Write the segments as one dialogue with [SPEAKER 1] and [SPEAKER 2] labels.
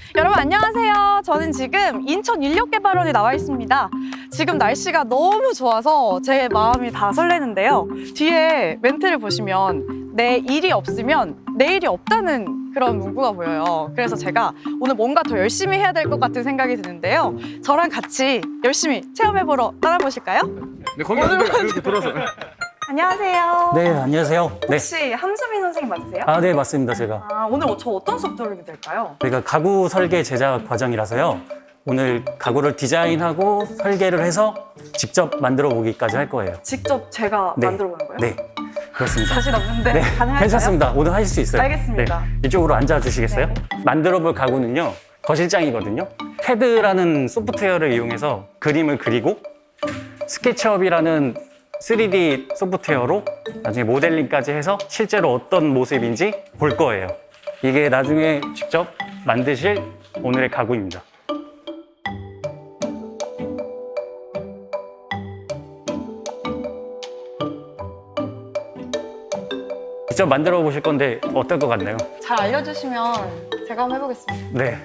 [SPEAKER 1] 여러분 안녕하세요. 저는 지금 인천 인력개발원에 나와 있습니다. 지금 날씨가 너무 좋아서 제 마음이 다 설레는데요. 뒤에 멘트를 보시면 내 일이 없으면 내일이 없다는 그런 문구가 보여요. 그래서 제가 오늘 뭔가 더 열심히 해야 될 것 같은 생각이 드는데요. 저랑 같이 열심히 체험해보러 떠나보실까요?
[SPEAKER 2] 네, 거기 이렇게 돌아서.
[SPEAKER 1] 안녕하세요.
[SPEAKER 3] 네, 안녕하세요. 네.
[SPEAKER 1] 혹시 함수민 선생님 맞으세요?
[SPEAKER 3] 네, 맞습니다. 제가.
[SPEAKER 1] 오늘 저 어떤 수업 들으면 될까요?
[SPEAKER 3] 저희가 가구 설계 제작 과정이라서요. 오늘 가구를 디자인하고 설계를 해서 직접 만들어 보기까지 할 거예요.
[SPEAKER 1] 직접 제가
[SPEAKER 3] 네.
[SPEAKER 1] 만들어 보는 거예요?
[SPEAKER 3] 네, 그렇습니다.
[SPEAKER 1] 자신 없는데
[SPEAKER 3] 네,
[SPEAKER 1] 가능할까요?
[SPEAKER 3] 괜찮습니다. 오늘 하실 수 있어요.
[SPEAKER 1] 알겠습니다.
[SPEAKER 3] 네, 이쪽으로 앉아 주시겠어요?
[SPEAKER 1] 네.
[SPEAKER 3] 만들어 볼 가구는요. 거실장이거든요. 캐드라는 소프트웨어를 이용해서 그림을 그리고 스케치업이라는 3D 소프트웨어로 나중에 모델링까지 해서 실제로 어떤 모습인지 볼 거예요. 이게 나중에 직접 만드실 오늘의 가구입니다. 직접 만들어 보실 건데 어떨 것 같나요?
[SPEAKER 1] 잘 알려주시면 제가 한번 해보겠습니다.
[SPEAKER 3] 네.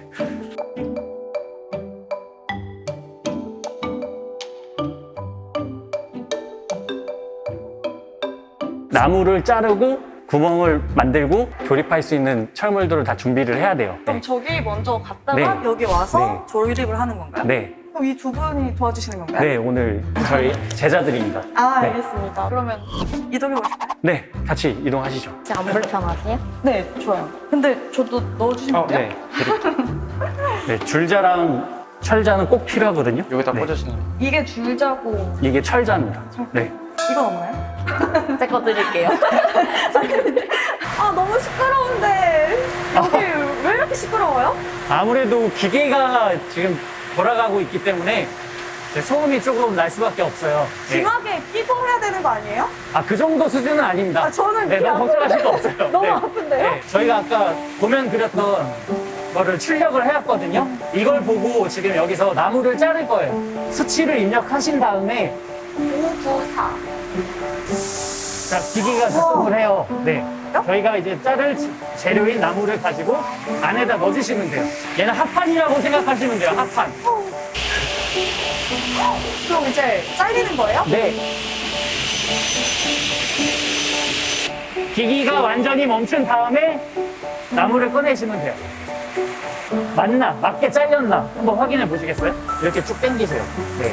[SPEAKER 3] 나무를 자르고 구멍을 만들고 조립할 수 있는 철물들을 다 준비를 해야 돼요.
[SPEAKER 1] 그럼
[SPEAKER 3] 네.
[SPEAKER 1] 저기 먼저 갔다가
[SPEAKER 3] 네.
[SPEAKER 1] 여기 와서
[SPEAKER 3] 네.
[SPEAKER 1] 조립을 하는 건가요?
[SPEAKER 3] 네.
[SPEAKER 1] 그럼 이 두 분이 도와주시는 건가요?
[SPEAKER 3] 네, 오늘 저희 제자들입니다.
[SPEAKER 1] 아,
[SPEAKER 3] 네.
[SPEAKER 1] 알겠습니다. 그러면 이동해 보실까요?
[SPEAKER 3] 네, 같이 이동하시죠.
[SPEAKER 4] 혹시 안 불편하세요?
[SPEAKER 1] 네, 좋아요. 근데 저도 넣어주시면 돼요?
[SPEAKER 3] 네, 드릴게요. 네, 줄자랑 철자는 꼭 필요하거든요.
[SPEAKER 2] 여기다
[SPEAKER 3] 네.
[SPEAKER 2] 꽂으시는 거.
[SPEAKER 1] 이게 줄자고
[SPEAKER 3] 이게 철자입니다. 네.
[SPEAKER 1] 이건 없나요?
[SPEAKER 4] 제 거 드릴게요.
[SPEAKER 1] 아, 너무 시끄러운데 여기 왜 이렇게 시끄러워요?
[SPEAKER 3] 아무래도 기계가 지금 돌아가고 있기 때문에 이제 소음이 조금 날 수밖에 없어요. 네.
[SPEAKER 1] 귀마개 끼고 해야 되는 거 아니에요?
[SPEAKER 3] 그 정도 수준은 아닙니다.
[SPEAKER 1] 아, 저는
[SPEAKER 3] 네,
[SPEAKER 1] 귀
[SPEAKER 3] 너무 걱정하실 거 없어요.
[SPEAKER 1] 너무
[SPEAKER 3] 네.
[SPEAKER 1] 아픈데요?
[SPEAKER 3] 네, 저희가 아까 도면 그렸던 거를 출력을 해왔거든요. 이걸 보고 지금 여기서 나무를 자를 거예요. 수치를 입력하신 다음에
[SPEAKER 4] 594.
[SPEAKER 3] 자, 기기가 작동을 해요. 네. 저희가 이제 자를 재료인 나무를 가지고 안에다 넣어주시면 돼요. 얘는 합판이라고 생각하시면 돼요. 합판.
[SPEAKER 1] 그럼 이제 잘리는 거예요?
[SPEAKER 3] 네. 기기가 완전히 멈춘 다음에 나무를 꺼내시면 돼요. 맞나? 맞게 잘렸나? 한번 확인해 보시겠어요? 이렇게 쭉 당기세요. 네.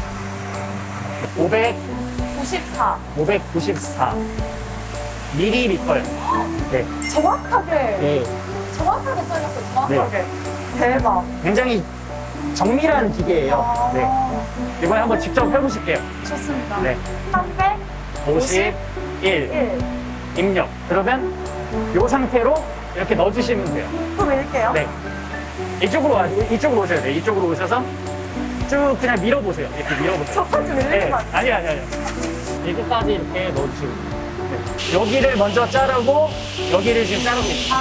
[SPEAKER 1] 94.
[SPEAKER 3] 594 밀리리터요. 네.
[SPEAKER 1] 정확하게
[SPEAKER 3] 네.
[SPEAKER 1] 정확하게 잘렸어요. 정확하게. 대박.
[SPEAKER 3] 굉장히 정밀한 기계예요. 네. 이번에 한번 직접 해보실게요.
[SPEAKER 1] 좋습니다.
[SPEAKER 3] 네.
[SPEAKER 1] 351.
[SPEAKER 3] 51 입력. 그러면 이 상태로 이렇게 넣어주시면 돼요.
[SPEAKER 1] 또 밀게요.
[SPEAKER 3] 네. 이쪽으로 오셔야 돼요. 이쪽으로 오셔서 쭉 그냥 밀어보세요. 이렇게 밀어보세요.
[SPEAKER 1] 저까지 밀리는
[SPEAKER 3] 네.
[SPEAKER 1] 거 아니에요?
[SPEAKER 3] 아니요. 여기까지 이렇게 넣어주시고. 네. 여기를 먼저 자르고 여기를 지금 자르고 있어요.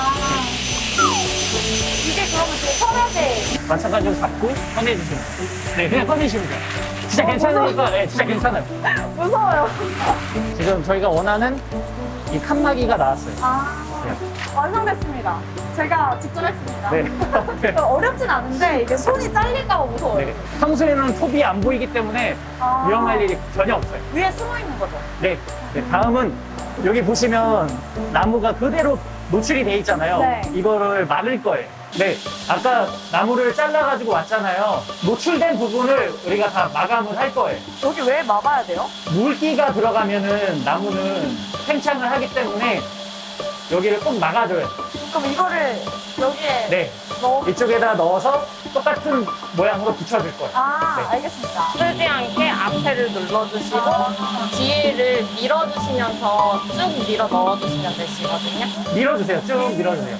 [SPEAKER 1] 이게 그러면 제 서랍에
[SPEAKER 3] 마찬가지로 잡고 꺼내주시면 돼요. 네, 그냥 꺼내시면 돼요. 진짜 괜찮으니까, 네, 진짜 괜찮아요.
[SPEAKER 1] 무서워요.
[SPEAKER 3] 지금 저희가 원하는 이 칸막이가 나왔어요.
[SPEAKER 1] 완성됐습니다. 제가 직접 했습니다.
[SPEAKER 3] 네.
[SPEAKER 1] 어렵진 않은데 이게 손이 잘릴까 봐 무서워요.
[SPEAKER 3] 네. 평소에는 톱이 안 보이기 때문에 위험할 일이 전혀 없어요.
[SPEAKER 1] 위에 숨어 있는 거죠?
[SPEAKER 3] 네. 다음은 여기 보시면 나무가 그대로 노출이 돼 있잖아요.
[SPEAKER 1] 네.
[SPEAKER 3] 이거를 막을 거예요. 네. 아까 나무를 잘라가지고 왔잖아요. 노출된 부분을 우리가 다 마감을 할 거예요.
[SPEAKER 1] 여기 왜 막아야 돼요?
[SPEAKER 3] 물기가 들어가면은 나무는 팽창을 하기 때문에 여기를 꼭 막아줘요.
[SPEAKER 1] 그럼 이거를 여기에
[SPEAKER 3] 네.
[SPEAKER 1] 넣어.
[SPEAKER 3] 이쪽에다 넣어서 똑같은 모양으로 붙여줄 거예요. 네.
[SPEAKER 1] 알겠습니다.
[SPEAKER 4] 쓰지 않게 앞에를 눌러주시고 뒤를 밀어주시면서 쭉 밀어 넣어주시면 되시거든요.
[SPEAKER 3] 밀어주세요. 쭉 밀어주세요.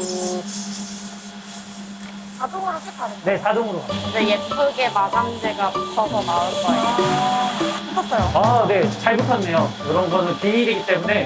[SPEAKER 1] 자동으로 쭉 가는 거예요?
[SPEAKER 3] 네, 자동으로.
[SPEAKER 4] 근데 예쁘게 마감재가 붙어서 나올 거예요.
[SPEAKER 1] 붙었어요.
[SPEAKER 3] 네. 잘 붙었네요. 이런 거는 비닐이기 때문에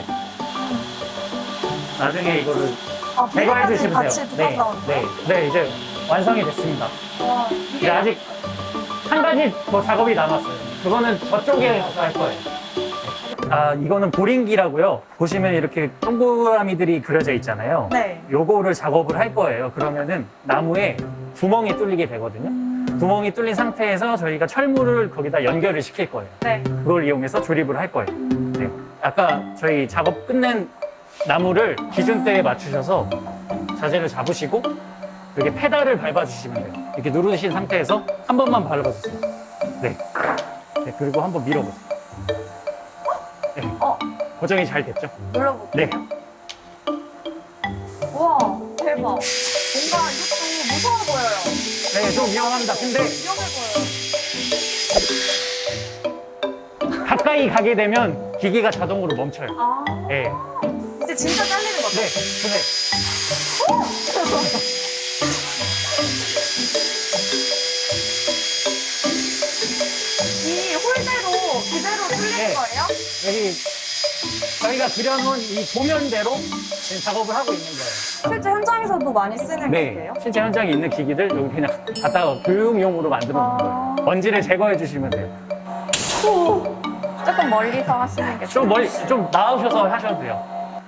[SPEAKER 3] 나중에 이거를 제거해
[SPEAKER 1] 비닐까지
[SPEAKER 3] 주시면
[SPEAKER 1] 같이
[SPEAKER 3] 돼요.
[SPEAKER 1] 붙어서 나오는 거예요?
[SPEAKER 3] 네, 이제 완성이 됐습니다.
[SPEAKER 1] 이게
[SPEAKER 3] 근데 아직 한 가지 더 작업이 남았어요. 그거는 저쪽에 가서 할 거예요. 이거는 보링기라고요. 보시면 이렇게 동그라미들이 그려져 있잖아요.
[SPEAKER 1] 네.
[SPEAKER 3] 요거를 작업을 할 거예요. 그러면은 나무에 구멍이 뚫리게 되거든요. 구멍이 뚫린 상태에서 저희가 철물을 거기다 연결을 시킬 거예요.
[SPEAKER 1] 네.
[SPEAKER 3] 그걸 이용해서 조립을 할 거예요. 네. 아까 저희 작업 끝낸 나무를 기준대에 맞추셔서 자재를 잡으시고 이렇게 페달을 밟아주시면 돼요. 이렇게 누르신 상태에서 한 번만 밟아주세요. 네. 네, 그리고 한번 밀어보세요. 네. 고정이 잘 됐죠?
[SPEAKER 1] 눌러볼게요.
[SPEAKER 3] 네.
[SPEAKER 1] 우와, 대박. 뭔가 이것도 무서워 보여요.
[SPEAKER 3] 네, 좀 위험합니다. 근데
[SPEAKER 1] 위험해 보여요.
[SPEAKER 3] 가까이 가게 되면 기기가 자동으로 멈춰요.
[SPEAKER 1] 아,
[SPEAKER 3] 네.
[SPEAKER 1] 이제 진짜 잘리는 거죠?
[SPEAKER 3] 네. 근데
[SPEAKER 1] 이 홀대로 그대로 뚫리는
[SPEAKER 3] 네.
[SPEAKER 1] 거예요?
[SPEAKER 3] 여기 저희가 그려놓은 이 도면대로 지금 작업을 하고 있는 거예요.
[SPEAKER 1] 실제 현장에서도 많이 쓰는
[SPEAKER 3] 네.
[SPEAKER 1] 거예요?
[SPEAKER 3] 실제 현장에 있는 기기들 여기 그냥 갖다가 교육용으로 만들어 놓은 거예요. 먼지를 제거해 주시면 돼요.
[SPEAKER 4] 조금 멀리서 하시는 게
[SPEAKER 3] 좀 멀리, 좀 나오셔서 하셔도 돼요.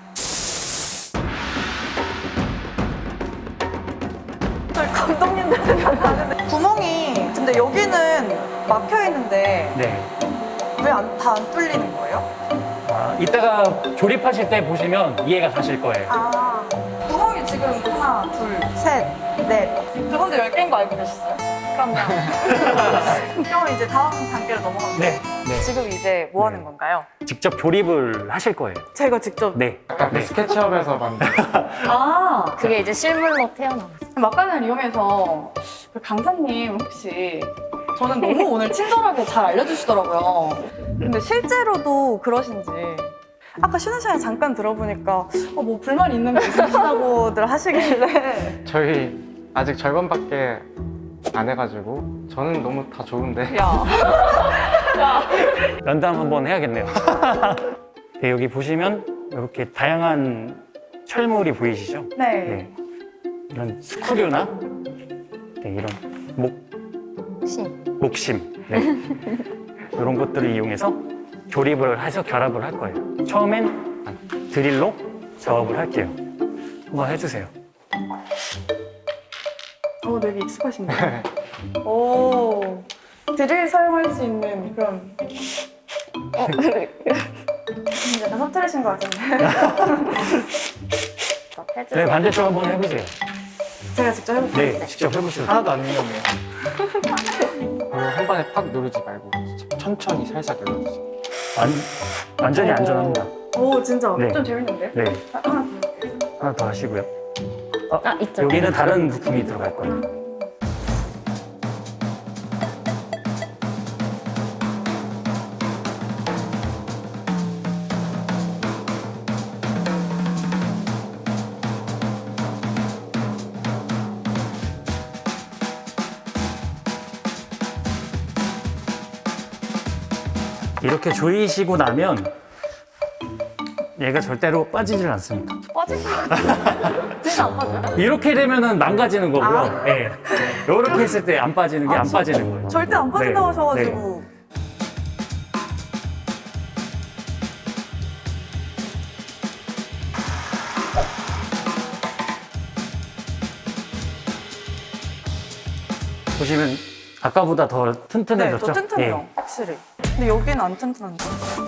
[SPEAKER 1] 저희 감독님들 생각나는데 구멍이 근데 여기는 막혀 있는데
[SPEAKER 3] 네.
[SPEAKER 1] 왜 다 안 뚫리는 거예요?
[SPEAKER 3] 이따가 조립하실 때 보시면 이해가 가실 거예요.
[SPEAKER 1] 아, 구멍이 지금 하나, 둘, 셋, 넷. 그건데 10개인 거 알고 계셨어요? 그럼요. 그럼 이제 다음 단계로 넘어가면
[SPEAKER 3] 네. 네.
[SPEAKER 1] 지금 이제 뭐 하는
[SPEAKER 3] 네.
[SPEAKER 1] 건가요?
[SPEAKER 3] 직접 조립을 하실 거예요.
[SPEAKER 1] 제가 직접.
[SPEAKER 3] 네.
[SPEAKER 2] 아까 그
[SPEAKER 3] 네.
[SPEAKER 2] 스케치업에서 만든
[SPEAKER 1] 아,
[SPEAKER 4] 그게 이제 실물로 태어나요.
[SPEAKER 1] 막간을 이용해서 그 강사님 혹시 저는 너무 오늘 친절하게 잘 알려주시더라고요. 근데 실제로도 그러신지 아까 쉬는 시간에 잠깐 들어보니까 뭐 불만 있는 거 있으시다고들 하시길래
[SPEAKER 5] 저희 아직 절반밖에 안 해가지고 저는 너무 다 좋은데
[SPEAKER 1] 야,
[SPEAKER 3] 면담 한번 해야겠네요. 네, 여기 보시면 이렇게 다양한 철물이 보이시죠?
[SPEAKER 1] 네.
[SPEAKER 3] 네. 이런 스크류나 네, 이런 목심 네. 이런 것들을 이용해서 조립을 해서 결합을 할 거예요. 처음엔 드릴로 작업을 할게요. 한번 해주세요.
[SPEAKER 1] 되게 익숙하신데요? 오, 드릴 사용할 수 있는 그런 약간 서투르신 것 같은데
[SPEAKER 3] 네, 반대쪽 한번 해보세요.
[SPEAKER 1] 제가 직접 해볼게요.
[SPEAKER 3] 네, 직접 해보시죠.
[SPEAKER 5] 하나도 안 위험해요. 그리고 한 번에 팍 누르지 말고 천천히 살살 눌러주세요.
[SPEAKER 3] 완전히 안전합니다.
[SPEAKER 1] 오, 진짜
[SPEAKER 3] 네.
[SPEAKER 1] 좀 재밌는데?
[SPEAKER 3] 네,
[SPEAKER 1] 하나 더 해볼게요.
[SPEAKER 3] 하나 더 하시고요.
[SPEAKER 4] 있죠.
[SPEAKER 3] 여기는 다른 부품이 들어갈 거예요. 이렇게 조이시고 나면 얘가 절대로 빠지질 않습니다.
[SPEAKER 1] 진짜 안 빠져요?
[SPEAKER 3] 이렇게 되면은 망가지는 거고요. 예. 이렇게 했을 때 안 빠지는 게 안 빠지는 거예요.
[SPEAKER 1] 절대 안 빠진다고
[SPEAKER 3] 네.
[SPEAKER 1] 하셔가지고.
[SPEAKER 3] 보시면 아까보다 더
[SPEAKER 1] 네,
[SPEAKER 3] 튼튼해졌죠?
[SPEAKER 1] 더 튼튼해요, 확실히. 근데 여기는 안 튼튼한데.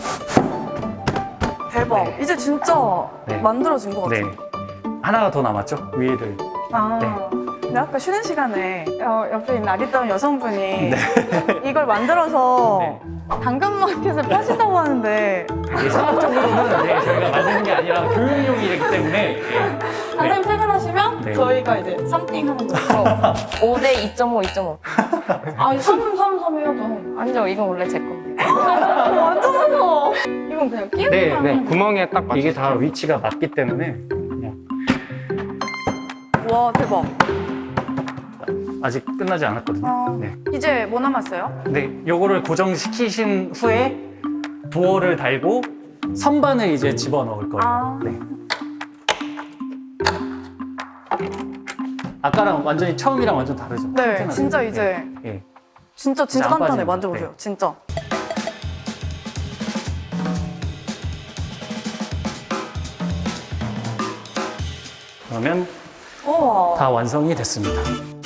[SPEAKER 1] 대박.
[SPEAKER 3] 네.
[SPEAKER 1] 이제 진짜
[SPEAKER 3] 네.
[SPEAKER 1] 만들어진 것
[SPEAKER 3] 네.
[SPEAKER 1] 같아요.
[SPEAKER 3] 하나가 더 남았죠? 위에를.
[SPEAKER 1] 아,
[SPEAKER 3] 네.
[SPEAKER 1] 근데 아까 쉬는 시간에 옆에 있는 아리따운 여성분이
[SPEAKER 3] 네.
[SPEAKER 1] 이걸 만들어서
[SPEAKER 3] 네.
[SPEAKER 1] 당근마켓에 파신다고 하는데
[SPEAKER 3] 이게 상업적으로는 네, 저희가 만드는 게 아니라 교육용이기 때문에 네.
[SPEAKER 1] 선생님 퇴근하시면
[SPEAKER 3] 네.
[SPEAKER 1] 저희가 이제 썸띵 하는 거죠.
[SPEAKER 4] 5대 2.5, 2.5.
[SPEAKER 1] 아, 3 해야죠.
[SPEAKER 4] 아니죠, 이건 원래 제 건데.
[SPEAKER 1] 완전 무서워. 이건 그냥 끼우기만
[SPEAKER 3] 네,
[SPEAKER 1] 하는
[SPEAKER 3] 네.
[SPEAKER 5] 구멍에 딱 맞춰.
[SPEAKER 3] 이게 다 위치가 맞기 때문에 그냥
[SPEAKER 1] 와, 대박.
[SPEAKER 3] 아직 끝나지 않았거든요.
[SPEAKER 1] 아,
[SPEAKER 3] 네.
[SPEAKER 1] 이제 뭐 남았어요?
[SPEAKER 3] 네, 요거를 고정시키신 후에 도어를 달고 선반을 이제 집어넣을 거예요.
[SPEAKER 1] 아.
[SPEAKER 3] 네. 아까랑 완전히 처음이랑 완전 다르죠?
[SPEAKER 1] 네,
[SPEAKER 3] 튼튼하죠?
[SPEAKER 1] 진짜 이제
[SPEAKER 3] 예.
[SPEAKER 1] 진짜
[SPEAKER 3] 안
[SPEAKER 1] 간단해.
[SPEAKER 3] 빠지는 거.
[SPEAKER 1] 만져보세요.
[SPEAKER 3] 네.
[SPEAKER 1] 진짜.
[SPEAKER 3] 정도면
[SPEAKER 1] 우와.
[SPEAKER 3] 다 완성이 됐습니다.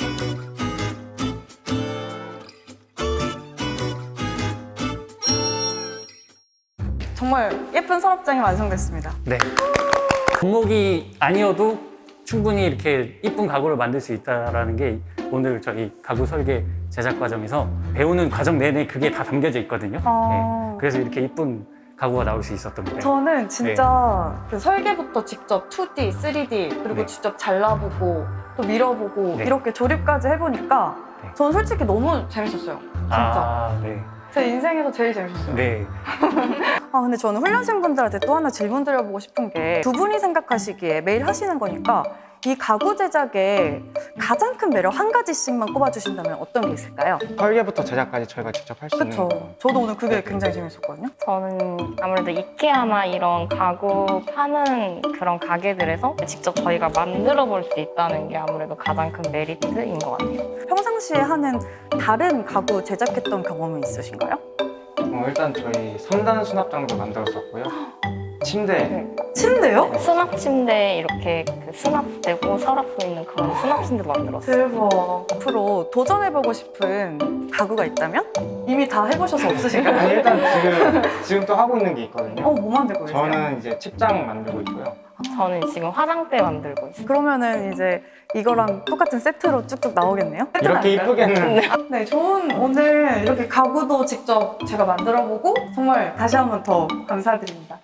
[SPEAKER 1] 정말 예쁜 서랍장이 완성됐습니다.
[SPEAKER 3] 네. 금목이 아니어도 충분히 이렇게 이쁜 가구를 만들 수 있다는 게 오늘 저희 가구 설계 제작 과정에서 배우는 과정 내내 그게 다 담겨져 있거든요. 네. 그래서 이렇게 이쁜 가구가 나올 수 있었던 거예요.
[SPEAKER 1] 저는 진짜 그 설계부터 직접 2D, 3D 그리고
[SPEAKER 3] 네.
[SPEAKER 1] 직접 잘라보고 또 밀어보고
[SPEAKER 3] 네.
[SPEAKER 1] 이렇게 조립까지 해보니까
[SPEAKER 3] 네.
[SPEAKER 1] 저는 솔직히 너무 재밌었어요. 진짜.
[SPEAKER 3] 아, 네.
[SPEAKER 1] 제 인생에서 제일 재밌었어요.
[SPEAKER 3] 네.
[SPEAKER 1] 근데 저는 훈련생분들한테 또 하나 질문 드려보고 싶은 게 두 분이 생각하시기에 매일 하시는 거니까 이 가구 제작에 가장 큰 매력 한 가지씩만 꼽아주신다면 어떤 게 있을까요?
[SPEAKER 5] 설계부터 제작까지 저희가 직접 할 수 있는
[SPEAKER 1] 그렇죠.
[SPEAKER 5] 거.
[SPEAKER 1] 저도 오늘 그게 굉장히 재밌었거든요.
[SPEAKER 4] 저는 아무래도 이케아나 이런 가구 파는 그런 가게들에서 직접 저희가 만들어 볼 수 있다는 게 아무래도 가장 큰 메리트인 것 같아요.
[SPEAKER 1] 평상시에 하는 다른 가구 제작했던 경험은 있으신가요?
[SPEAKER 5] 일단 저희 3단 수납장도 만들었었고요. 침대.
[SPEAKER 1] 침대요?
[SPEAKER 4] 수납 침대 이렇게 그 수납되고 서랍도 있는 그런 수납 침대 만들었어요.
[SPEAKER 1] 대박. 앞으로 도전해보고 싶은 가구가 있다면? 이미 다 해보셔서 없으신가요?
[SPEAKER 5] 아니, 일단 지금 또 하고 있는 게 있거든요.
[SPEAKER 1] 뭐 만들고 계세요?
[SPEAKER 5] 저는 이제 책장 만들고 있고요.
[SPEAKER 4] 저는 지금 화장대 만들고 있어요.
[SPEAKER 1] 그러면은 이제 이거랑 똑같은 세트로 쭉쭉 나오겠네요?
[SPEAKER 5] 이렇게 이쁘게는
[SPEAKER 1] 네, 좋은 오늘 이렇게 가구도 직접 제가 만들어보고 정말 다시 한 번 더 감사드립니다.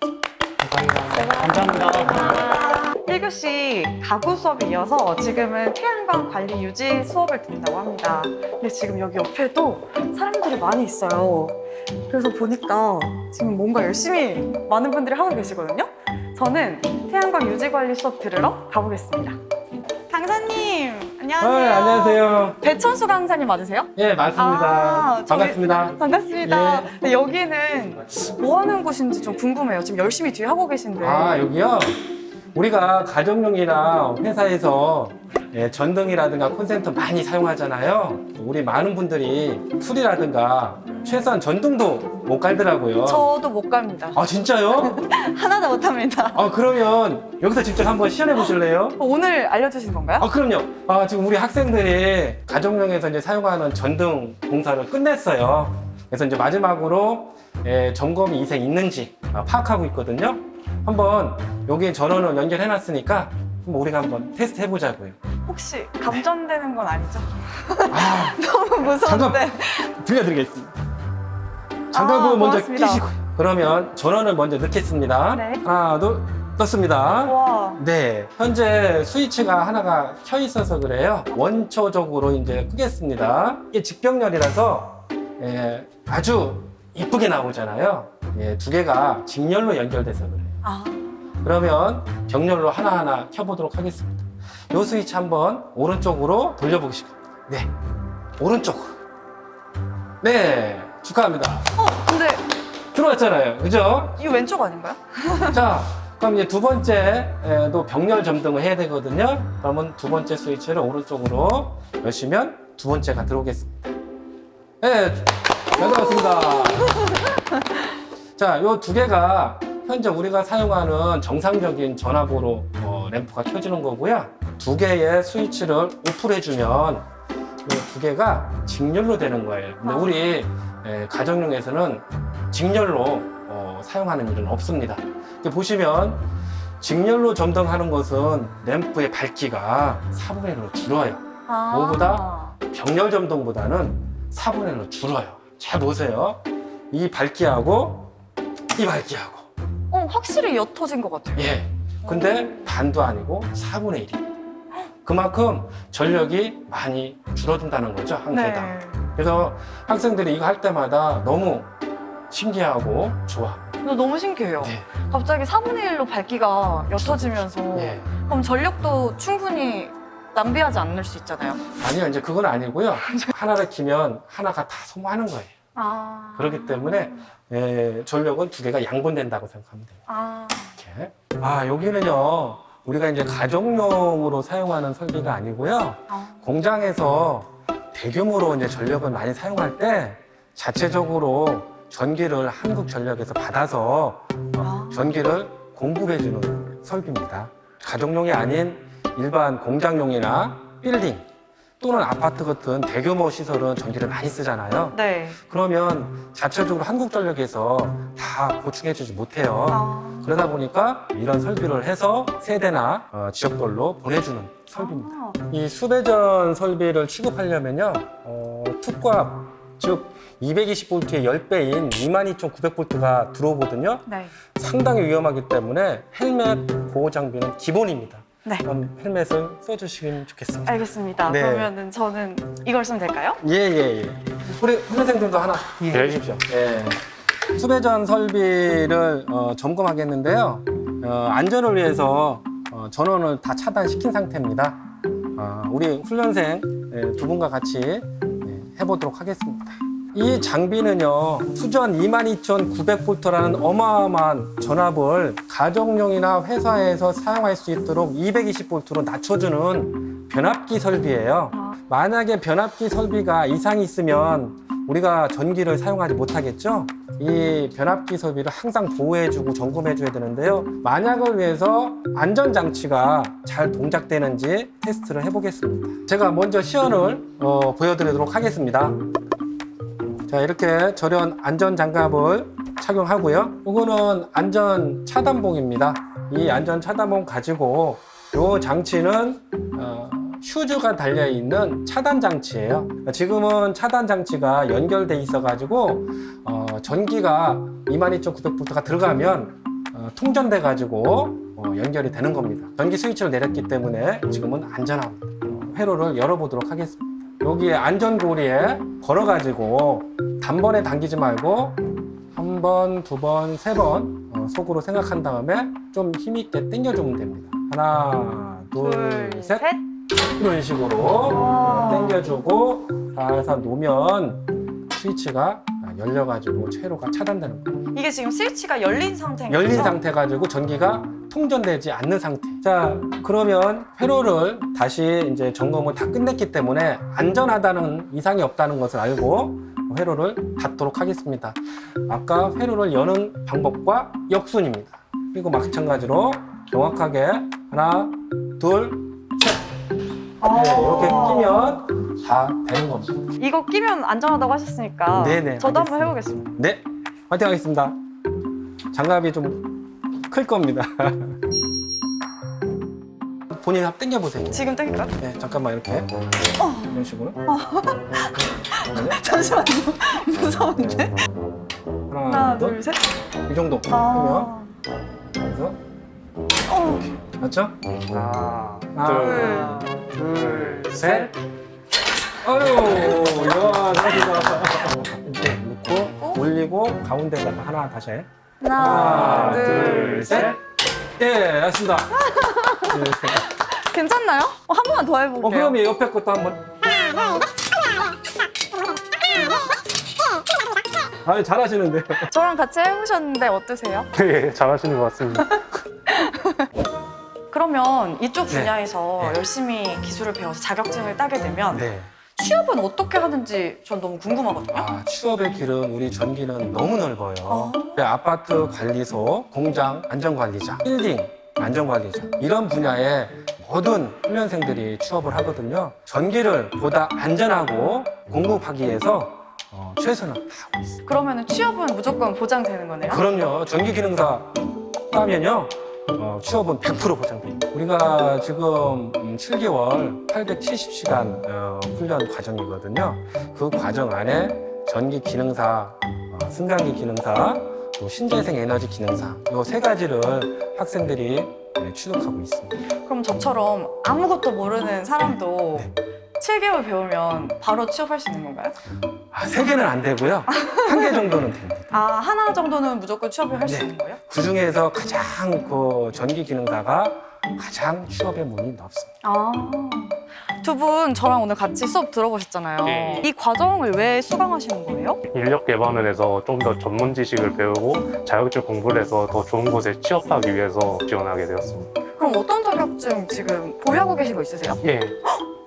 [SPEAKER 3] 감사합니다.
[SPEAKER 1] 1교시 가구 수업에 이어서 지금은 태양광 관리 유지 수업을 듣는다고 합니다. 근데 지금 여기 옆에도 사람들이 많이 있어요. 그래서 보니까 지금 뭔가 열심히 많은 분들이 하고 계시거든요. 저는 태양광 유지 관리 수업 들으러 가보겠습니다. 강사님, 안녕하세요.
[SPEAKER 2] 안녕하세요.
[SPEAKER 1] 배천수 강사님 맞으세요?
[SPEAKER 2] 예, 맞습니다.
[SPEAKER 1] 저기-
[SPEAKER 2] 반갑습니다.
[SPEAKER 1] 반갑습니다.
[SPEAKER 2] 예.
[SPEAKER 1] 근데 여기는 뭐 하는 곳인지 좀 궁금해요. 지금 열심히 뒤에 하고 계신데.
[SPEAKER 2] 여기요? 우리가 가정용이나 회사에서 전등이라든가 콘센트 많이 사용하잖아요. 우리 많은 분들이 풀이라든가 최소한 전등도 못 갈더라고요.
[SPEAKER 1] 저도 못 갑니다.
[SPEAKER 2] 진짜요?
[SPEAKER 1] 하나도 못 합니다.
[SPEAKER 2] 그러면 여기서 직접 한번 시연해 보실래요?
[SPEAKER 1] 오늘 알려주신 건가요?
[SPEAKER 2] 그럼요. 지금 우리 학생들이 가정용에서 이제 사용하는 전등 공사를 끝냈어요. 그래서 이제 마지막으로 점검이 이생 있는지 파악하고 있거든요. 한번 여기에 전원을 연결해 놨으니까 우리가 한번 테스트 해보자고요.
[SPEAKER 1] 혹시 감전되는 건 아니죠?
[SPEAKER 2] 아,
[SPEAKER 1] 너무 무서운데.
[SPEAKER 2] 들려드리겠습니다. 장갑을 먼저
[SPEAKER 1] 고맙습니다.
[SPEAKER 2] 끼시고. 그러면 전원을 먼저 넣겠습니다.
[SPEAKER 1] 네.
[SPEAKER 2] 하나, 둘, 떴습니다.
[SPEAKER 1] 와.
[SPEAKER 2] 네, 현재 스위치가 하나가 켜 있어서 그래요. 원초적으로 이제 끄겠습니다. 이게 직병렬이라서 아주 이쁘게 나오잖아요. 두 개가 직렬로 연결돼서 그래요. 그러면 병렬로 하나하나 켜보도록 하겠습니다. 이 스위치 한번 오른쪽으로 돌려보시고, 네, 오른쪽으로. 네, 축하합니다.
[SPEAKER 1] 근데
[SPEAKER 2] 들어왔잖아요, 그죠?
[SPEAKER 1] 이거 왼쪽 아닌가요?
[SPEAKER 2] 자, 그럼 이제 두 번째도 병렬 점등을 해야 되거든요. 그러면 두 번째 스위치를 오른쪽으로 여시면 두 번째가 들어오겠습니다. 네, 잘 들어왔습니다. 자, 요 두 개가 현재 우리가 사용하는 정상적인 전압으로 램프가 켜지는 거고요. 두 개의 스위치를 오프해주면 이 두 개가 직렬로 되는 거예요. 근데 우리 가정용에서는 직렬로 사용하는 일은 없습니다. 이렇게 보시면 직렬로 점등하는 것은 램프의 밝기가 4분의 1로 줄어요. 뭐보다? 병렬 점등보다는 4분의 1로 줄어요. 잘 보세요. 이 밝기하고 이 밝기하고.
[SPEAKER 1] 확실히 옅어진 것 같아요.
[SPEAKER 2] 예. 근데 반도 아니고 4분의 1이. 그만큼 전력이 많이 줄어든다는 거죠, 한 개당. 그래서 학생들이 이거 할 때마다 너무 신기하고 좋아.
[SPEAKER 1] 너무 신기해요.
[SPEAKER 2] 네.
[SPEAKER 1] 갑자기 4분의 1로 밝기가 옅어지면서
[SPEAKER 2] 예.
[SPEAKER 1] 그럼 전력도 충분히 낭비하지 않을 수 있잖아요.
[SPEAKER 2] 아니요, 이제 그건 아니고요. 하나를 키면 하나가 다 소모하는 거예요. 그렇기 때문에 전력은 두 개가 양분된다고 생각하면 돼요. 이렇게. 여기는요, 우리가 이제 가정용으로 사용하는 설비가 아니고요. 공장에서 대규모로 이제 전력을 많이 사용할 때 자체적으로 전기를 한국전력에서 받아서 전기를 공급해주는 설비입니다. 가정용이 아닌 일반 공장용이나 빌딩 또는 아파트 같은 대규모 시설은 전기를 많이 쓰잖아요.
[SPEAKER 1] 네.
[SPEAKER 2] 그러면 자체적으로 한국전력에서 다 보충해주지 못해요.
[SPEAKER 1] 아.
[SPEAKER 2] 그러다 보니까 이런 설비를 해서 세대나 지역별로 보내주는 설비입니다.
[SPEAKER 1] 아.
[SPEAKER 2] 이 수배전 설비를 취급하려면요, 투값, 즉 220V의 10배인 22,900V가 들어오거든요.
[SPEAKER 1] 네.
[SPEAKER 2] 상당히 위험하기 때문에 헬멧 보호 장비는 기본입니다.
[SPEAKER 1] 네.
[SPEAKER 2] 그럼 헬멧을 써주시면 좋겠습니다.
[SPEAKER 1] 알겠습니다.
[SPEAKER 2] 네.
[SPEAKER 1] 그러면은 저는 이걸 쓰면 될까요?
[SPEAKER 2] 예. 우리 훈련생들도 하나 해주십시오. 예. 수배전 설비를 점검하겠는데요. 안전을 위해서 전원을 다 차단시킨 상태입니다. 우리 훈련생 두 분과 같이 해보도록 하겠습니다. 이 장비는요, 수전 22,900V라는 어마어마한 전압을 가정용이나 회사에서 사용할 수 있도록 220V로 낮춰주는 변압기 설비예요. 만약에 변압기 설비가 이상이 있으면 우리가 전기를 사용하지 못하겠죠? 이 변압기 설비를 항상 보호해주고 점검해줘야 되는데요. 만약을 위해서 안전장치가 잘 동작되는지 테스트를 해보겠습니다. 제가 먼저 시연을 보여드리도록 하겠습니다. 자, 이렇게 절연 안전장갑을 착용하고요. 이거는 안전 차단봉입니다. 이 안전 차단봉 가지고 이 장치는 휴즈가 달려있는 차단 장치예요. 지금은 차단 장치가 연결돼 있어가지고 전기가 22,900V가 들어가면 통전돼 가지고 연결이 되는 겁니다. 전기 스위치를 내렸기 때문에 지금은 안전합니다. 회로를 열어보도록 하겠습니다. 여기에 안전고리에 걸어가지고 단번에 당기지 말고 한 번, 두 번, 세 번 속으로 생각한 다음에 좀 힘있게 당겨주면 됩니다. 하나, 둘, 셋. 이런 식으로 당겨주고 살살 놓으면 스위치가 열려가지고 회로가 차단되는 거예요.
[SPEAKER 1] 이게 지금 스위치가 열린 상태인 거죠?
[SPEAKER 2] 열린 상태 가지고 전기가 통전되지 않는 상태. 자, 그러면 회로를 다시 이제 점검을 다 끝냈기 때문에 안전하다는 이상이 없다는 것을 알고 회로를 닫도록 하겠습니다. 아까 회로를 여는 방법과 역순입니다. 그리고 마찬가지로 정확하게 하나, 둘, 셋. 네, 이렇게 끼면 다 되는 겁니다.
[SPEAKER 1] 이거 끼면 안전하다고 하셨으니까
[SPEAKER 2] 네네,
[SPEAKER 1] 저도
[SPEAKER 2] 알겠습니다.
[SPEAKER 1] 한번 해보겠습니다.
[SPEAKER 2] 네, 화이팅 하겠습니다. 장갑이 좀 클 겁니다. 본인 한번 당겨보세요.
[SPEAKER 1] 지금 땡길까요?
[SPEAKER 2] 네, 잠깐만 이렇게 이런 식으로.
[SPEAKER 1] 잠시만요. 무서운데? 하나, 둘, 셋.
[SPEAKER 2] 이 정도
[SPEAKER 1] 아.
[SPEAKER 2] 하면 그래서
[SPEAKER 1] 어.
[SPEAKER 2] 맞죠?
[SPEAKER 5] 하나,
[SPEAKER 2] 둘,
[SPEAKER 5] 둘, 셋.
[SPEAKER 2] 아유, 이야, 잘하신다. 이렇게 놓고 올리고 가운데다가 하나 다시 해. 하나, 둘, 셋. 예, 맞습니다. 네.
[SPEAKER 1] 괜찮나요? 한 번만 더 해볼게요.
[SPEAKER 2] 그럼 이 옆에 것도 한번. 아, 잘하시는데.
[SPEAKER 1] 저랑 같이 해보셨는데 어떠세요?
[SPEAKER 5] 예, 잘하시는 것 같습니다.
[SPEAKER 1] 그러면 이쪽
[SPEAKER 2] 네.
[SPEAKER 1] 분야에서
[SPEAKER 2] 네.
[SPEAKER 1] 열심히 기술을 배워서 자격증을 따게 되면
[SPEAKER 2] 네.
[SPEAKER 1] 취업은 어떻게 하는지 전 너무 궁금하거든요.
[SPEAKER 2] 취업의 길은 우리 전기는 너무 넓어요. 아파트 관리소, 공장 안전관리자, 빌딩 안전관리자 이런 분야에 모든 훈련생들이 취업을 하거든요. 전기를 보다 안전하고 공급하기 위해서 최선을 다하고 있습니다.
[SPEAKER 1] 그러면 취업은 무조건 보장되는 거네요?
[SPEAKER 2] 그럼요. 전기기능사 따면요. 취업은 100% 보장됩니다. 우리가 지금 7개월 870시간 훈련 과정이거든요. 그 과정 안에 전기 기능사, 승강기 기능사, 또 신재생 에너지 기능사 이 세 가지를 학생들이 취득하고 있습니다.
[SPEAKER 1] 그럼 저처럼 아무것도 모르는 사람도
[SPEAKER 2] 네.
[SPEAKER 1] 7개월 배우면 바로 취업할 수 있는 건가요?
[SPEAKER 2] 3개는 안 되고요. 1개 정도는 됩니다.
[SPEAKER 1] 하나 정도는 무조건 취업을 할 수
[SPEAKER 2] 네.
[SPEAKER 1] 있는 거예요?
[SPEAKER 2] 그 중에서 가장 그 전기 기능사가 가장 취업의 문이 넓습니다.
[SPEAKER 1] 두 분 저랑 오늘 같이 수업 들어보셨잖아요.
[SPEAKER 5] 네.
[SPEAKER 1] 이 과정을 왜 수강하시는 거예요?
[SPEAKER 5] 인력 개발을 해서 좀 더 전문 지식을 배우고 자격증 공부를 해서 더 좋은 곳에 취업하기 위해서 지원하게 되었습니다.
[SPEAKER 1] 그럼 어떤 자격증 지금 보유하고 계신 거 있으세요?
[SPEAKER 5] 예,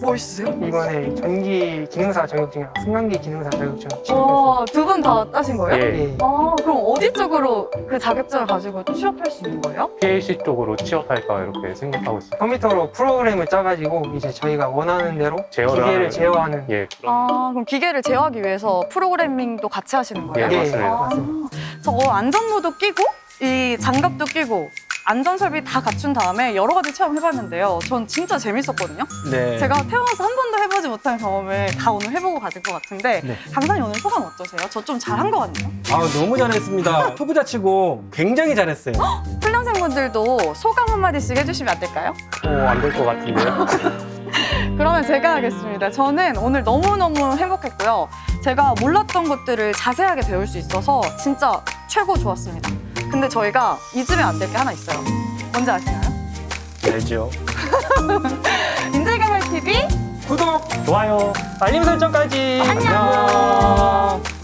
[SPEAKER 1] 멋있으세요?
[SPEAKER 6] 이번에 전기 기능사 자격증이랑 승강기 기능사 자격증 취득했어요.
[SPEAKER 1] 두 분 다 따신 거예요?
[SPEAKER 3] 예.
[SPEAKER 6] 예.
[SPEAKER 1] 그럼 어디 쪽으로 그 자격증을 가지고 또 취업할 수 있는 거예요?
[SPEAKER 5] PLC 쪽으로 취업할까 이렇게 생각하고 있어요.
[SPEAKER 6] 컴퓨터로 프로그램을 짜가지고 이제 저희가 원하는 대로
[SPEAKER 5] 제어를
[SPEAKER 6] 기계를
[SPEAKER 5] 하는
[SPEAKER 6] 제어하는
[SPEAKER 5] 예, 그런
[SPEAKER 1] 그럼 기계를 제어하기 위해서 프로그래밍도 같이 하시는 거예요?
[SPEAKER 5] 예,
[SPEAKER 6] 예,
[SPEAKER 5] 맞습니다.
[SPEAKER 6] 맞습니다.
[SPEAKER 1] 저거 안전모도 끼고 이 장갑도 끼고 안전 설비 다 갖춘 다음에 여러 가지 체험 해봤는데요. 전 진짜 재밌었거든요.
[SPEAKER 2] 네.
[SPEAKER 1] 제가 태어나서 한 번도 해보지 못한 경험을 다 오늘 해보고 가질 것 같은데
[SPEAKER 2] 네.
[SPEAKER 1] 강사님 오늘 소감 어떠세요? 저 좀 잘한 것 같네요.
[SPEAKER 2] 너무 잘했습니다. 초보자 치고 굉장히 잘했어요.
[SPEAKER 1] 훈련생분들도 소감 한마디씩 해주시면 안 될까요?
[SPEAKER 3] 안 될 것 같은데요?
[SPEAKER 1] 그러면 제가 하겠습니다. 저는 오늘 너무너무 행복했고요. 제가 몰랐던 것들을 자세하게 배울 수 있어서 진짜 최고 좋았습니다. 근데 저희가 잊으면 안 될 게 하나 있어요. 뭔지 아시나요?
[SPEAKER 2] 알죠.
[SPEAKER 1] 인재개발TV
[SPEAKER 2] 구독!
[SPEAKER 3] 좋아요.
[SPEAKER 6] 알림 설정까지.
[SPEAKER 1] 안녕.